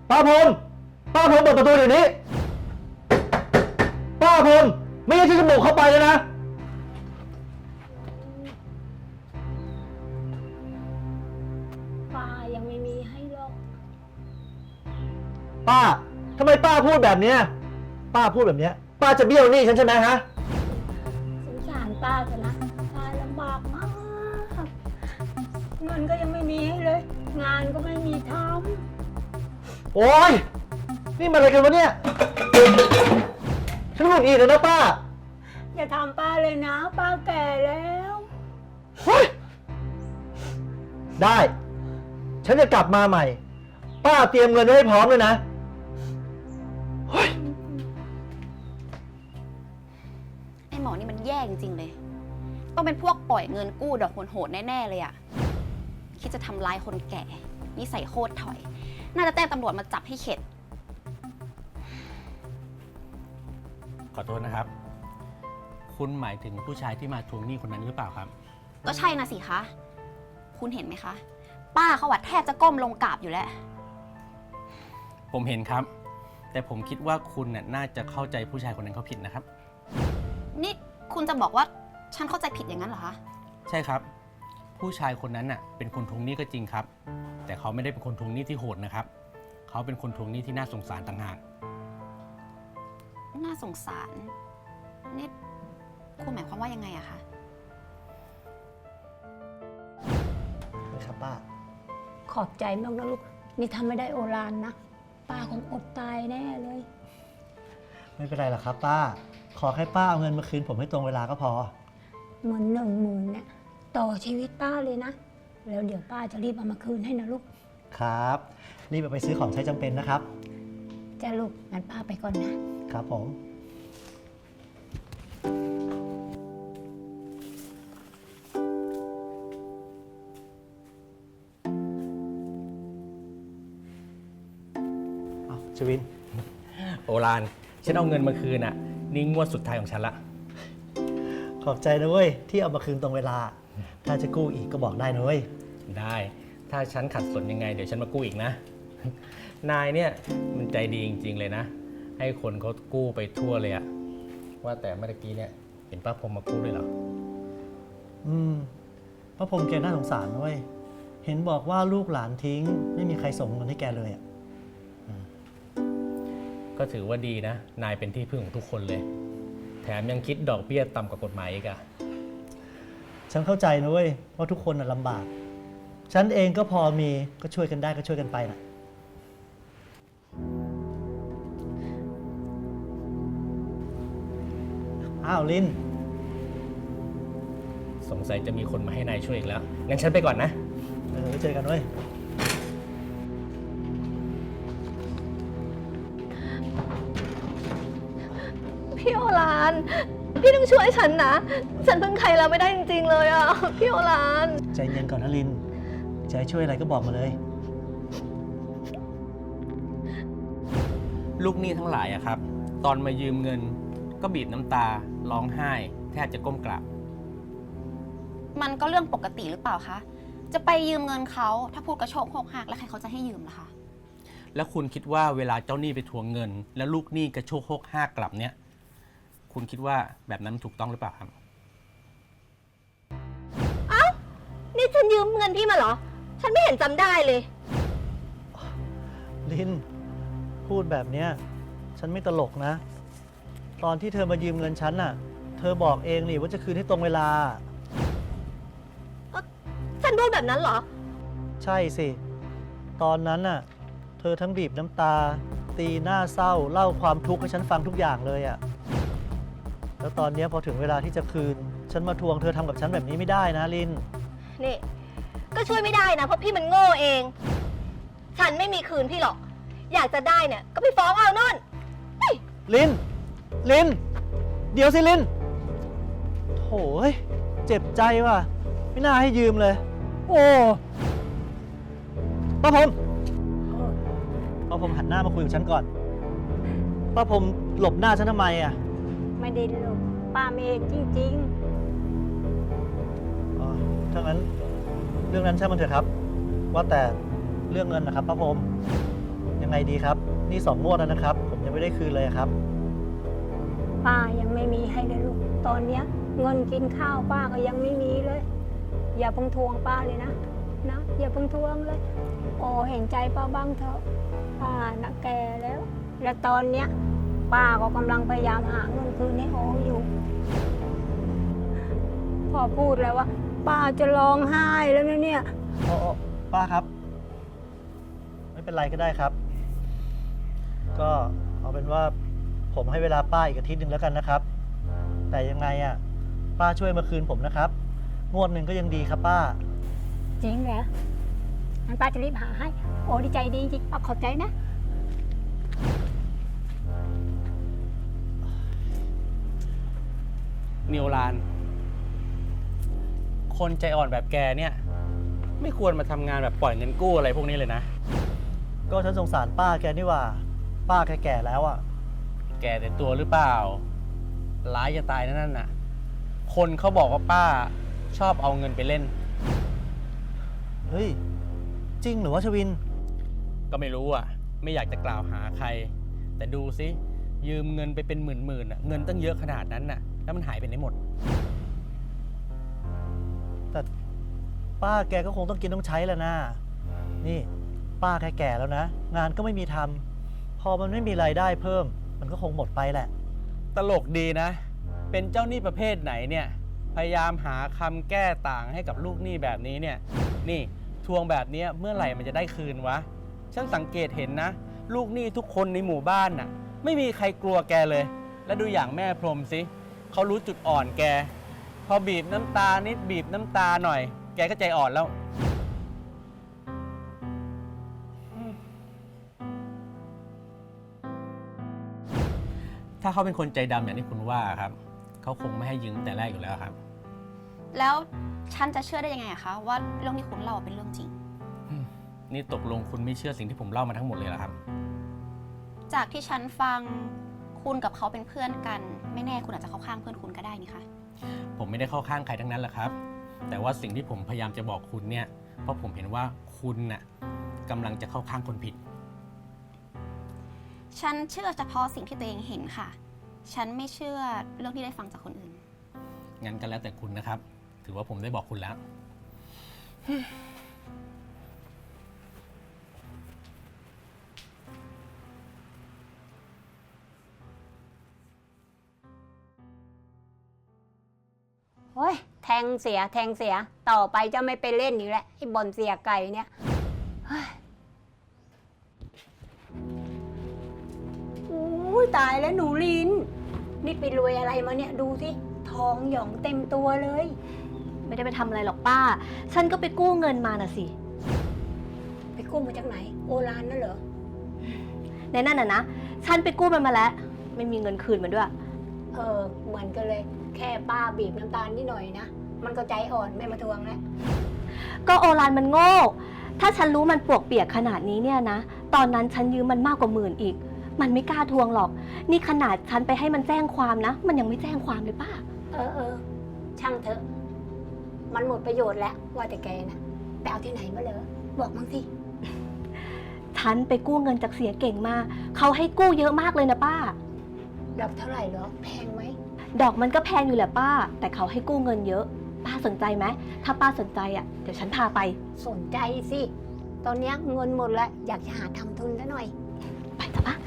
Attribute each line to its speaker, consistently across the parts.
Speaker 1: ป้าพรมป้าพรมเปิดประตูเดี๋ยวนี้ป้าพรมไม่งั้นฉันจะบุกเข้าไปเลยนะ
Speaker 2: ป้ายังไม่มีให้หรอก
Speaker 1: ป้าทำไมป้าพูดแบบเนี้ยป้าพูดแบบเนี้ยป้าจะเบี้ยวหนี้ฉันใช่ไหมฮะ
Speaker 2: สงสารป้าเถอะนะป้าลำบากมากเงินก็ยังไม่มีให้เลย งานก็ไม่มีท
Speaker 1: โอ๊ยนี่มันอะไรกันวะเนี่ยฉันหงุดหงิดเลยนะป้า
Speaker 2: อย่าทำป้าเลยนะ ป้าแก่แล้ว
Speaker 1: เฮ้ยได้ ฉันจะกลับมาใหม่ป้าเตรียมเงินไว้ให้พร้อมเลยนะเฮ้ย
Speaker 3: ไอ้หมอนี่มันแย่จริงๆเลยต้องเป็นพวกปล่อยเงินกู้ดอกโหดๆแน่ๆเลยอะคิดจะทำร้ายคนแก่นิสัยโคตรถอยน่าจะแจ้งตำรวจมาจับให้เข็ด
Speaker 4: ขอโทษนะครับ คุณหมายถึงผู้ชายที่มาทวงหนี้คนนั้นหรือเปล่าครับ
Speaker 3: ก็ใช่นะสิคะคุณเห็นไหมคะป้าเขาวัดแทบจะก้มลงกราบอยู่แล้ว
Speaker 4: ผมเห็นครับแต่ผมคิดว่าคุณน่าจะเข้าใจผู้ชายคนนั้นเขาผิดนะครับ
Speaker 3: นี่คุณจะบอกว่าฉันเข้าใจผิดอย่างนั้นเหรอคะ
Speaker 4: ใช่ครับผู้ชายคนนั้นเป็นคนทวงหนี้ก็จริงครับแต่เขาไม่ได้เป็นคนทวงหนี้ที่โหดนะครับเขาเป็นคนทวงหนี้ที่น่าสงสารต่างหาก
Speaker 3: น่าสงสารนี่คุณหมายความว่ายังไงอะคะ
Speaker 1: ครับป้า
Speaker 2: ขอบใจมากนะลูกนี่ทำไม่ได้โอรานนะป้าคงอดตายแน่เลย
Speaker 1: ไม่เป็นไรหรอกครับป้าขอแค่ป้าเอาเงินมาคืนผมให้ตรงเวลาก็พอ
Speaker 2: เงิน10,000เนี่ยต่อชีวิตป้าเลยนะแล้วเดี๋ยวป้าจะรีบเอามาคืนให้นะลูก
Speaker 1: ครับรีบเอาไปซื้อของใช้จำเป็นนะครับ
Speaker 2: จ้าลูกงั้นป้าไปก่อนนะครับ
Speaker 1: ผมชวิน
Speaker 4: โอรานฉันเอาเงินมาคืนนี่งวดสุดท้ายของฉันละ
Speaker 1: ขอบใจนะเว้ยที่เอามาคืนตรงเวลาถ้าจะกู้อีกก็บอกได้นะเว้ย
Speaker 4: ได้ถ้าฉันขัดสนยังไงเดี๋ยวฉันมากู้อีกนะนายเนี่ยมันใจดีจริงๆเลยนะให้คนเขากู้ไปทั่วเลยอะว่าแต่เมื่อกี้เนี่ยเห็นป้าพรมมากู้ด้วยเหรอ
Speaker 1: ป้าพรมแกน่าสงสารเว้ยเห็นบอกว่าลูกหลานทิ้งไม่มีใครส่งเงินให้แกเลย
Speaker 4: ก็ถือว่าดีนะนายเป็นที่พึ่งของทุกคนเลยแถมยังคิดดอกเบี้ยต่ำกว่ากฎหมายอีกอะ
Speaker 1: ฉันเข้าใจนะเว้ยว่าทุกคนลำบากฉันเองก็พอมีก็ช่วยกันได้ก็ช่วยกันไปนะอ้าวลิน
Speaker 4: สงสัยจะมีคนมาให้นายช่วยอีกแล้วงั้นฉันไปก่อนนะ
Speaker 1: ไว้เจอกันเว้ย
Speaker 5: พี่โอรานพี่ต้องช่วยฉันนะฉันพึ่งใครแล้วไม่ได้จริงๆเลยอ่ะพี่โอราน
Speaker 1: ใจเย็นก่อนนะลินจะให้ช่วยอะไรก็บอกมาเลย
Speaker 4: ลูกหนี้ทั้งหลายครับตอนมายืมเงินก็บีบน้ำตาร้องไห้แทบจะก้มกราบ
Speaker 3: มันก็เรื่องปกติหรือเปล่าคะจะไปยืมเงินเขาถ้าพูดกระโชกโคกหักแล้วใครเขาจะให้ยืมล่ะคะ
Speaker 4: แล้วคุณคิดว่าเวลาเจ้าหนี้ไปทวงเงินแล้วลูกหนี้กระโชกโคกหักกลับเนี่ยคุณคิดว่าแบบนั้นถูกต้องหรือเปล่าครับ
Speaker 5: เอ้านี่ฉันยืมเงินพี่มาเหรอฉันไม่เห็นจำได้เลย
Speaker 1: ลินพูดแบบเนี้ยฉันไม่ตลกนะตอนที่เธอมายืมเงินฉันน่ะเธอบอกเองนี่ว่าจะคืนให้ตรงเวลา
Speaker 5: ฉันพูดแบบนั้นเหรอ
Speaker 1: ใช่สิตอนนั้นน่ะเธอทั้งบีบน้ำตาตีหน้าเศร้าเล่าความทุกข์ให้ฉันฟังทุกอย่างเลยอะแล้วตอนนี้พอถึงเวลาที่จะคืนฉันมาทวงเธอทำกับฉันแบบนี้ไม่ได้นะลิน
Speaker 5: นี่ก็ช่วยไม่ได้นะเพราะพี่มันโง่เองฉันไม่มีคืนพี่หรอกอยากจะได้เนี่ยก็ไปฟ้องเอานู่น
Speaker 1: ลินเดี๋ยวสิลินโถ่เจ็บใจว่ะไม่น่าให้ยืมเลยโอ้ป้าพรมหันหน้ามาคุยกับฉันก่อนป้าพรมหลบหน้าฉันทำไมอ่ะ
Speaker 2: ไม่ได้หลบป้าไม่เห็นจริง
Speaker 1: ๆถ้างั้นเรื่องนั้นช่างมันเถอะครับว่าแต่เรื่องเงินนะครับป้าพรมยังไงดีครับนี่2 งวดแล้วนะครับ ผมยังไม่ได้คืนเลยครับ
Speaker 2: ป้ายังไม่มีให้เลยลูก ตอนเนี้ยเงินกินข้าวป้าก็ยังไม่มีเลย อย่าเพิ่งทวงป้าเลยนะอย่าเพิ่งทวงเลย โอ้เห็นใจป้าบ้างเถอะป้าน่ะแก่แล้ว และตอนเนี้ยป้าก็กำลังพยายามหาเงินคืนให้โออยู่ พอพูดแล้วว่า ป้าจะร้องไห้แล้วนะเนี่ย
Speaker 1: โอ้ป้าครับ ไม่เป็นไรก็ได้ครับ ก็เอาเป็นว่าผมให้เวลาป้าอีกอาทิตย์หนึ่งแล้วกันนะครับ แต่ยังไงอ่ะป้าช่วยมาคืนผมนะครับ งวดหนึ่งก็ยังดีครับป้า
Speaker 2: จริงเหรองั้นป้าจะรีบหาให้ โอ้ดีใจดีจริงป้าขอบใจนะ
Speaker 4: นิวลาน คนใจอ่อนแบบแกเนี่ย ไม่ควรมาทำงานแบบปล่อยเงินกู้อะไรพวกนี้เลยนะ
Speaker 1: ก็ฉันสงสารป้าแกนี่หว่า ป้าแกแก่แล้วอ่ะ
Speaker 4: แกแต่ตัวหรือเปล่า ร้ายจะตายนั่นน่ะ คนเขาบอกว่าป้าชอบเอาเงินไปเล่น
Speaker 1: เฮ้ย จริงหรือว่าชวิน
Speaker 4: ก็ไม่รู้อ่ะ ไม่อยากจะกล่าวหาใคร แต่ดูสิยืมเงินไปเป็นหมื่นๆอ่ะ เงินตั้งเยอะขนาดนั้นน่ะ แล้วมันหายไปไหนหมด
Speaker 1: แต่ป้าแกก็คงต้องกินต้องใช้แหล้วนะ นี่ป้าแกแก่แล้วนะ งานก็ไม่มีทำพอมันไม่มีรายได้เพิ่ม มันก็คงหมดไปแหละ
Speaker 4: ตลกดีนะ เป็นเจ้าหนี้ประเภทไหนเนี่ย พยายามหาคำแก้ต่างให้กับลูกหนี้แบบนี้เนี่ย นี่ทวงแบบนี้เมื่อไหร่มันจะได้คืนวะ ฉันสังเกตเห็นนะ ลูกหนี้ทุกคนในหมู่บ้านน่ะ ไม่มีใครกลัวแกเลย และดูอย่างแม่พรหมสิเขารู้จุดอ่อนแก พอบีบน้ำตานิดบีบน้ำตาหน่อย แกก็ใจอ่อนแล้ว ถ้าเขาเป็นคนใจดำอย่างที่คุณว่าครับ เขาคงไม่ให้ยืมแต่แรกอยู่แล้วครับ
Speaker 3: แล้วฉันจะเชื่อได้ยังไงอะคะว่าเรื่องที่คุณเล่าเป็นเรื่องจริง
Speaker 4: นี่ตกลงคุณไม่เชื่อสิ่งที่ผมเล่ามาทั้งหมดเลยเหรอครับ
Speaker 3: จากที่ฉันฟังคุณกับเขาเป็นเพื่อนกัน ไม่แน่คุณอาจจะเข้าข้างเพื่อนคุณก็ได้นี่คะ
Speaker 4: ผมไม่ได้เข้าข้างใครทั้งนั้นแหละครับ แต่ว่าสิ่งที่ผมพยายามจะบอกคุณเนี่ย เพราะผมเห็นว่าคุณน่ะกำลังจะเข้าข้างคนผิด
Speaker 3: ฉันเชื่อเฉพาะสิ่งที่ตัวเองเห็นค่ะ ฉันไม่เชื่อเรื่องที่ได้ฟังจากคนอื่น
Speaker 4: งั้นก็แล้วแต่คุณนะครับ ถือว่าผมได้บอกคุณแล้ว
Speaker 2: โอ้ยแทงเสียต่อไปจะไม่ไปเล่นอีกแล้วไอ้บอลเสียไก่เนี่ยเฮ้ยอู้ยตายแล้วหนูลิน นี่ไปรวยอะไรมาเนี่ยดูสิทองหยองเต็มตัวเลย
Speaker 5: ไม่ได้ไปทำอะไรหรอกป้า ฉันก็ไปกู้เงินมาน่ะสิ
Speaker 2: ไปกู้มาจากไหน โอรานนั่นเหรอ
Speaker 5: ในนั่นน่ะนะ ฉันไปกู้มันมาแล้ว ไม่มีเงินคืนมันด้วย
Speaker 2: เหมือนกันเลย แค่ป้าบีบน้ำตาลนิดหน่อยนะ มันก็ใจอ่อนไม่มาทวงแล้ว
Speaker 5: ก็โอรานมันโง่ ถ้าฉันรู้มันปวกเปียกขนาดนี้เนี่ยนะ ตอนนั้นฉันยืมมันมากกว่า10,000อีก มันไม่กล้าทวงหรอก นี่ขนาดฉันไปให้มันแจ้งความนะ มันยังไม่แจ้งความเลยป้า
Speaker 2: ช่างเถอะ มันหมดประโยชน์แล้วว่าแต่แกนะไปเอาที่ไหนมาเหรอบอกมั้งสิ
Speaker 5: ฉันไปกู้เงินจากเสียเก่งมา เขาให้กู้เยอะมากเลยนะป้า
Speaker 2: ดอกเท่าไหร่เหรอแพงไหม
Speaker 5: ดอกมันก็แพงอยู่แหละป้า แต่เขาให้กู้เงินเยอะ ป้าสนใจไหม ถ้าป้าสนใจอ่ะ เดี๋ยวฉันพาไป
Speaker 2: สนใจสิ ตอนเนี้ยเงินหมดแล้ว อยากจะหาทำทุนซะหน่อย
Speaker 5: ไปจ้ะป้า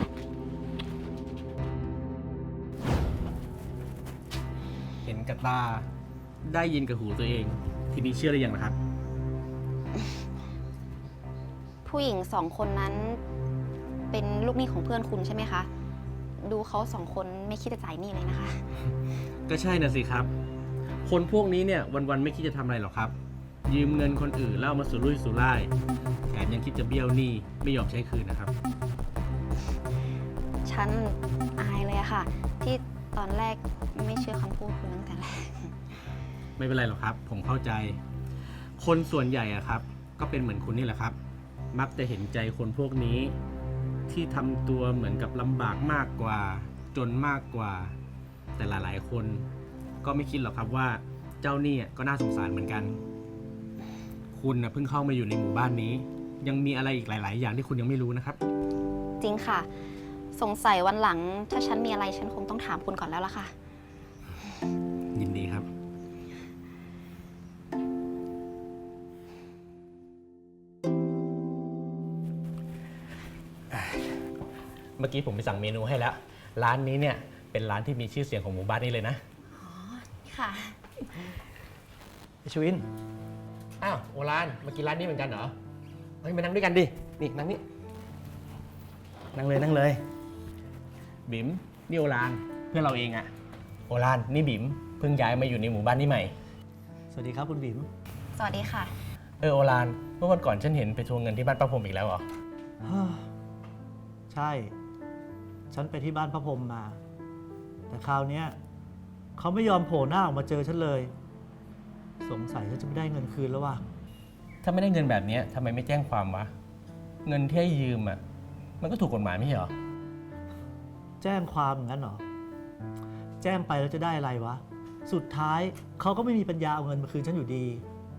Speaker 4: เห็นกับตา ได้ยินกับหูตัวเอง ทีนี้เชื่อได้ยังนะครับ
Speaker 3: ผู้หญิง2 คนนั้น เป็นลูกหนี้ของเพื่อนคุณใช่ไหมคะ ดูเขา2 คนไม่คิดจะจ่ายหนี้เลยนะคะ
Speaker 4: ก็ใช่น่ะสิครับ คนพวกนี้เนี่ยวันๆไม่คิดจะทำอะไรหรอกครับ ยืมเงินคนอื่นแล้วเอามาสุรุ่ยสุร่าย แถมยังคิดจะเบี้ยวหนี้ไม่ยอมใช้คืนนะครับ
Speaker 3: ฉันอายเลยอะค่ะ ที่ตอนแรกไม่เชื่อคำพูดคุณตั้งแต่แรก
Speaker 4: ไม่เป็นไรหรอกครับ ผมเข้าใจ คนส่วนใหญ่อะครับ ก็เป็นเหมือนคุณนี่แหละครับ มักจะเห็นใจคนพวกนี้ ที่ทำตัวเหมือนกับลำบากมากกว่า จนมากกว่า แต่หลายๆคนก็ไม่คิดหรอกครับว่าเจ้าหนี้ก็น่าสงสารเหมือนกัน คุณนะเพิ่งเข้ามาอยู่ในหมู่บ้านนี้ ยังมีอะไรอีกหลาย ๆ อย่างที่คุณยังไม่รู้นะครับ
Speaker 3: จริงค่ะ สงสัยวันหลังถ้าฉันมีอะไรฉันคงต้องถามคุณก่อนแล้วล่ะค่ะ
Speaker 4: ยินดีครับ เมื่อกี้ผมไปสั่งเมนูให้แล้ว ร้านนี้เนี่ยเป็นร้านที่มีชื่อเสียงของหมู่บ้านนี้เลยนะ
Speaker 3: ค่ะ
Speaker 1: ไอชวิน
Speaker 4: อ้าว โอรานมากินร้านนี้เหมือนกันเหรอ เฮ้ยมานั่งด้วยกันดิ นี่นั่งนี่
Speaker 1: นั่งเลยนั่งเลย
Speaker 4: บิ๋มนี่โอรานเพื่อนเราเองอะโอรานนี่บิ๋มเพิ่งย้ายมาอยู่ในหมู่บ้านนี้ใหม่
Speaker 1: สวัสดีครับคุณบิ๋ม
Speaker 3: สวัสดีค่ะ
Speaker 4: โอรานเมื่อวันก่อนฉันเห็นไปทวงเงินที่บ้านป้าพรมอีกแล้วเหรอ
Speaker 1: ใช่ ฉันไปที่บ้านพระพรหมมา แต่คราวเนี้ยเขาไม่ยอมโผล่หน้าออกมาเจอฉันเลย สงสัยฉันจะไม่ได้เงินคืนแล้วว่ะ
Speaker 4: ถ้าไม่ได้เงินแบบนี้ทำไมไม่แจ้งความวะ เงินที่ให้ยืมอะมันก็ถูกกฎหมายไม่ใช่เหรอ
Speaker 1: แจ้งความอย่างนั้นเหรอ แจ้งไปแล้วจะได้อะไรวะ สุดท้ายเขาก็ไม่มีปัญญาเอาเงินมาคืนฉันอยู่ดี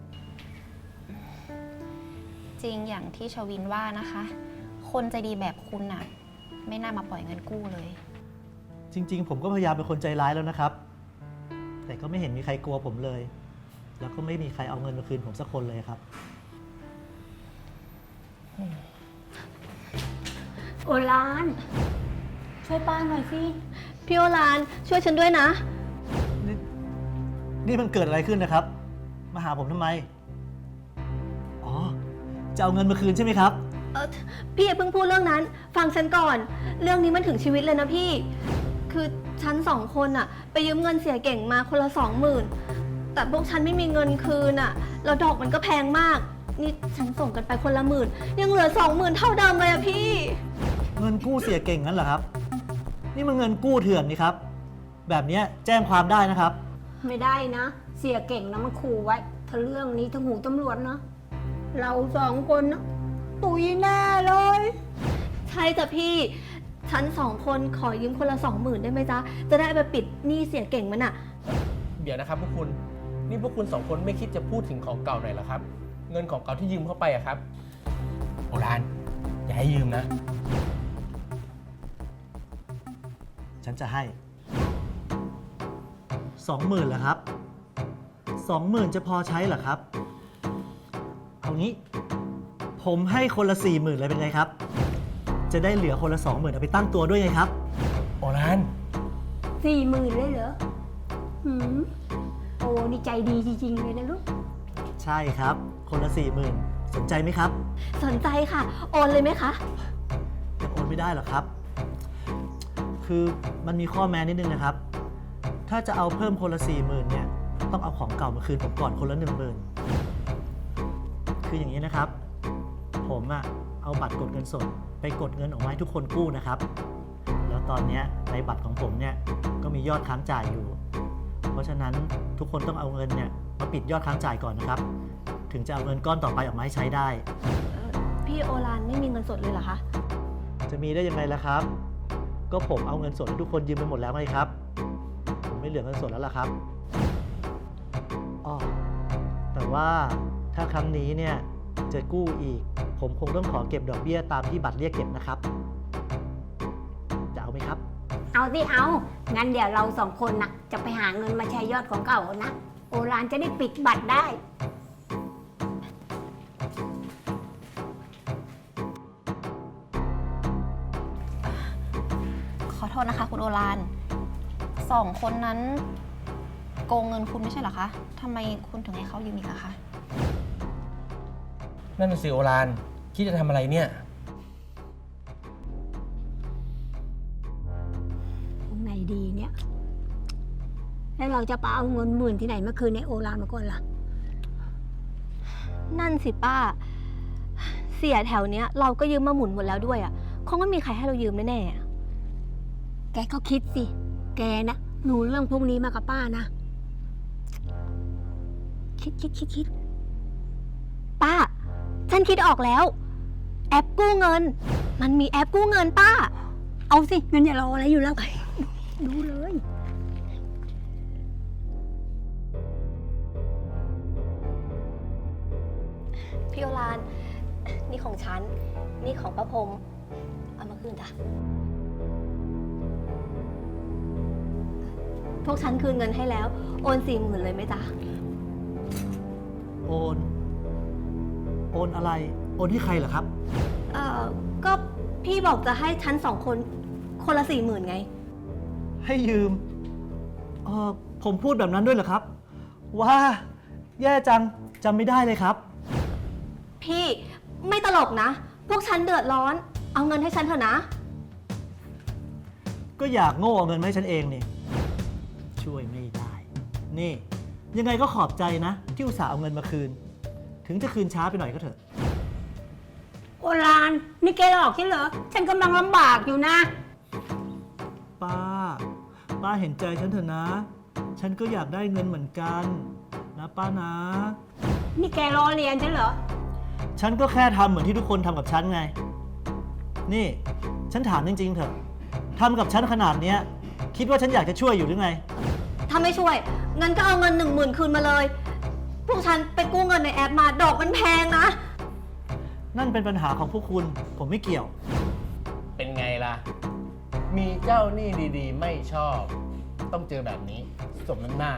Speaker 3: จริงอย่างที่ชวินว่านะคะ คนใจดีแบบคุณน่ะ ไม่น่ามาปล่อยเงินกู้เลย
Speaker 1: จริง ๆ ผมก็พยายามเป็นคนใจร้ายแล้วนะครับ แต่ก็ไม่เห็นมีใครกลัวผมเลย แล้วก็ไม่มีใครเอาเงินมาคืนผมสักคนเลยครับ
Speaker 2: โอราน ช่วยป้าหน่อยสิ
Speaker 5: พี่โอรานช่วยฉันด้วยนะ
Speaker 1: นี่มันเกิดอะไรขึ้นนะครับ มาหาผมทำไม อ๋อ จะเอาเงินมาคืนใช่ไหมครับ
Speaker 5: พี่อย่าเพิ่งพูดเรื่องนั้น ฟังฉันก่อน เรื่องนี้มันถึงชีวิตเลยนะพี่ คือฉันสองคนอะไปยืมเงินเสียเก่งมาคนละ 20,000 แต่พวกฉันไม่มีเงินคืนอะแล้วดอกมันก็แพงมาก นี่ฉันส่งกันไปคนละ10,000 ยังเหลือ 20,000 เท่าเดิมเลยอะพี่
Speaker 1: เงินกู้เสียเก่งงั้นเหรอครับ นี่มันเงินกู้เถื่อนนี่ครับ แบบเนี้ยแจ้งความได้นะครับ
Speaker 2: ไม่ได้นะ เสียเก่งนะมันขู่ไว้ ถ้าเรื่องนี้ถึงหูตำรวจนะ เราสองคนนะตุยแน่เลย
Speaker 5: ใช่จ้ะพี่ ฉันสองคนขอยืมคนละ 20,000 ได้ไหมจ๊ะ จะได้ไปปิดหนี้เสียเก่งมันอะ
Speaker 4: เดี๋ยวนะครับพวกคุณ นี่พวกคุณสองคนไม่คิดจะพูดถึงของเก่าหน่อยเหรอครับ เงินของเก่าที่ยืมเข้าไปอะครับ โอรานอย่าให้ยืมนะ
Speaker 1: ฉันจะให้ 20,000เหรอครับ 20,000จะพอใช้เหรอครับ เอางี้ ผมให้คนละ 40,000เลยเป็นไงครับ จะได้เหลือคนละ 20,000เอาไปตั้งตัวด้วยไงครับ
Speaker 4: โอราน
Speaker 2: 40,000เลยเหรอหืมโอ้นี่ใจดีจริงๆเลยนะลูก
Speaker 1: ใช่ครับ คนละ 40,000สนใจไหมครับ
Speaker 5: สนใจค่ะ โอนเลยไหมคะ
Speaker 1: ยังโอนไม่ได้หรอกครับ คือมันมีข้อแม้นิดนึงนะครับ ถ้าจะเอาเพิ่มคนละ 40,000เนี่ย ต้องเอาของเก่ามาคืนผมก่อนคนละ 10,000คืออย่างนี้นะครับ ผมอะเอาบัตรกดเงินสดไปกดเงินออกมาให้ทุกคนกู้นะครับ แล้วตอนเนี้ยในบัตรของผมเนี่ยก็มียอดค้างจ่ายอยู่ เพราะฉะนั้นทุกคนต้องเอาเงินเนี่ยมาปิดยอดค้างจ่ายก่อนนะครับ ถึงจะเอาเงินก้อนต่อไปออกมาให้ใช้ได้
Speaker 5: พี่โอรานไม่มีเงินสดเลยเหรอคะ
Speaker 1: จะมีได้ยังไงล่ะครับ ก็ผมเอาเงินสดให้ทุกคนยืมไปหมดแล้วไงครับ ผมไม่เหลือเงินสดแล้วล่ะครับอ้อแต่ว่าถ้าครั้งนี้เนี่ยจะกู้อีก ผมคงต้องขอเก็บดอกเบี้ยตามที่บัตรเรียกเก็บนะครับ จะเอาไหมครับ
Speaker 2: เอาสิเอา งั้นเดี๋ยวเราสองคนนะจะไปหาเงินมาใช้ยอดของเก่านะ โอรานจะได้ปิดบัตรได้
Speaker 3: ขอโทษนะคะคุณโอรานสองคนนั้นโกงเงินคุณไม่ใช่เหรอคะทำไมคุณถึงให้เขายืมอีกอะคะ
Speaker 4: นั่นน่ะสิโอรานคิดจะทำอะไรเนี่ย
Speaker 2: ไงดีเนี่ย แล้วเราจะไปเอาเงิน10,000ที่ไหนมาคืนในโอรานมาก่อนล่ะ
Speaker 5: นั่นสิป้า เสียแถวเนี้ยเราก็ยืมมาหมุนหมดแล้วด้วยอะคงไม่มีใครให้เรายืมแน่ๆอะ
Speaker 2: แกก็คิดสิ แกนะรู้เรื่องพวกนี้มากับป้านะ คิด
Speaker 5: ป้า ฉันคิดออกแล้ว แอปกู้เงิน มันมีแอปกู้เงินป้า
Speaker 2: เอาสิงั้นอย่ารออะไรอยู่แล้ว ดูเลย
Speaker 5: พี่โอราน นี่ของฉัน นี่ของป้าพรมเอามาคืนจ้ะ พวกฉันคืนเงินให้แล้ว โอน 40,000 เลยไหมจ๊ะ
Speaker 1: โอน โอนอะไร โอนให้ใครเหรอครับ
Speaker 5: ก็พี่บอกจะให้ฉัน2 คนคนละ 40,000 ไง
Speaker 1: ให้ยืม ผมพูดแบบนั้นด้วยเหรอครับ ว่าแย่จังจำไม่ได้เลยครับ
Speaker 5: พี่ไม่ตลกนะ พวกฉันเดือดร้อน เอาเงินให้ฉันเถอะนะ
Speaker 1: ก็อยากโง่เอาเงินมาให้ฉันเองนี่ ช่วยไม่ได้ นี่ ยังไงก็ขอบใจนะ ที่อุตส่าห์เอาเงินมาคืน ถึงจะคืนช้าไปหน่อยก็เถอะ
Speaker 2: โอรานนี่แกหลอกฉันเหรอ ฉันกำลังลำบากอยู่นะ
Speaker 1: ป้าเห็นใจฉันเถอะนะ ฉันก็อยากได้เงินเหมือนกันนะป้านะ
Speaker 2: นี่แกล้อเลียนฉันเหรอ
Speaker 1: ฉันก็แค่ทำเหมือนที่ทุกคนทำกับฉันไง นี่ ฉันถามจริงๆเถอะทำกับฉันขนาดเนี้ย คิดว่าฉันอยากจะช่วยอยู่หรือไง
Speaker 5: ถ้าไม่ช่วยเงินก็เอาเงิน 10,000 คืนมาเลย พวกฉันไปกู้เงินในแอปมา ดอกมันแพงนะ
Speaker 1: นั่นเป็นปัญหาของพวกคุณ ผมไม่เกี่ยว
Speaker 4: เป็นไงล่ะ มีเจ้าหนี้ดีๆ ไม่ชอบ ต้องเจอแบบนี้สมน้ำหน้า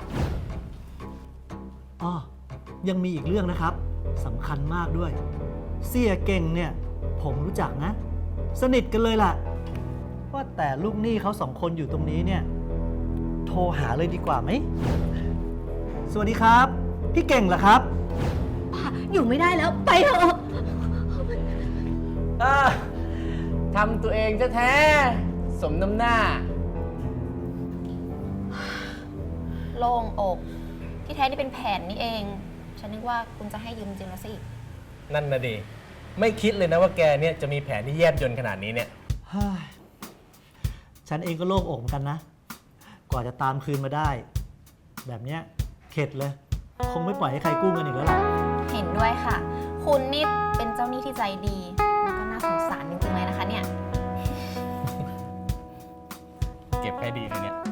Speaker 1: อ้อ ยังมีอีกเรื่องนะครับสำคัญมากด้วย เสี่ยเก่งเนี่ย ผมรู้จักนะ สนิทกันเลยล่ะ ว่าแต่ลูกหนี้เขา2 คนอยู่ตรงนี้เนี่ย โทรหาเลยดีกว่าไหม สวัสดีครับ พี่เก่งเหรอครับ
Speaker 5: อยู่ไม่ได้แล้ว ไปเถอะ
Speaker 4: ทำตัวเองแท้ๆสมน้ำหน้า
Speaker 3: โล่งอก ที่แท้นี่เป็นแผนนี่เอง ฉันนึกว่าคุณจะให้ยืมจริงแล้วสิ
Speaker 4: นั่นนะดิ ไม่คิดเลยนะว่าแกเนี่ยจะมีแผนที่แยบยลขนาดนี้เนี่ย
Speaker 1: เฮ้ยฉันเองก็โล่งอกเหมือนกันนะ กว่าจะตามคืนมาได้ แบบเนี้ยเข็ดเลย คงไม่ปล่อยให้ใครกู้เงินอีกแล้วล่ะ
Speaker 3: เห็นด้วยค่ะ คุณนี่เป็นเจ้าหนี้ที่ใจดี แล้วก็น่าสงสารจริงๆเลยนะคะเนี่ย
Speaker 4: เก็บให้ดีเลยเนี่ย